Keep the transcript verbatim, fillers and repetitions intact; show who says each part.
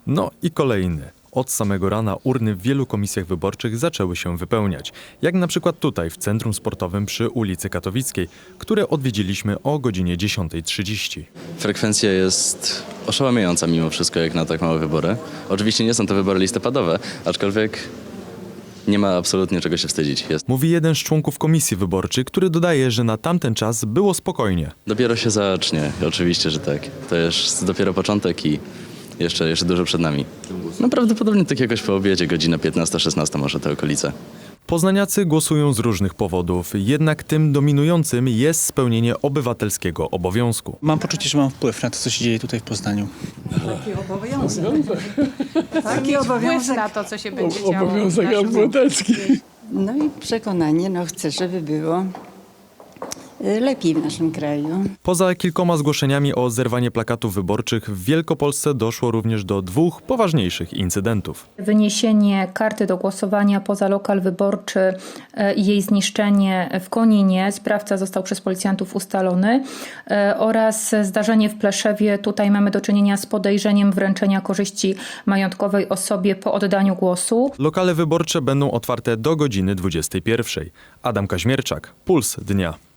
Speaker 1: No i kolejny. Od samego rana urny w wielu komisjach wyborczych zaczęły się wypełniać. Jak na przykład tutaj, w Centrum Sportowym przy ulicy Katowickiej, które odwiedziliśmy o godzinie dziesiątej trzydzieści.
Speaker 2: Frekwencja jest oszałamiająca mimo wszystko, jak na tak małe wybory. Oczywiście nie są to wybory listopadowe, aczkolwiek nie ma absolutnie czego się wstydzić. Jest.
Speaker 1: Mówi jeden z członków komisji wyborczej, który dodaje, że na tamten czas było spokojnie.
Speaker 2: Dopiero się zacznie, oczywiście, że tak. To jest dopiero początek i jeszcze, jeszcze dużo przed nami. No prawdopodobnie tak jakoś po obiedzie, godzina piętnasta szesnasta może te okolice.
Speaker 1: Poznaniacy głosują z różnych powodów, jednak tym dominującym jest spełnienie obywatelskiego obowiązku.
Speaker 3: Mam poczucie, że mam wpływ na to, co się dzieje tutaj w Poznaniu.
Speaker 4: Taki obowiązek. Taki
Speaker 5: Wpływ
Speaker 4: obowiązek.
Speaker 5: na to, co się będzie działo.
Speaker 6: Obowiązek
Speaker 5: w naszym-
Speaker 6: obywatelski.
Speaker 4: No i przekonanie, no chcę, żeby było y, lepiej w naszym kraju.
Speaker 1: Poza kilkoma zgłoszeniami o zerwanie plakatów wyborczych w Wielkopolsce doszło również do dwóch poważniejszych incydentów.
Speaker 7: Wyniesienie karty do głosowania poza lokal wyborczy e, i jej zniszczenie w Koninie, sprawca został przez policjantów ustalony, e, oraz zdarzenie w Pleszewie. Tutaj mamy do czynienia z podejrzeniem wręczenia korzyści majątkowej osobie po oddaniu głosu.
Speaker 1: Lokale wyborcze będą otwarte do godziny dwudziestej pierwszej. Adam Kaźmierczak, Puls Dnia.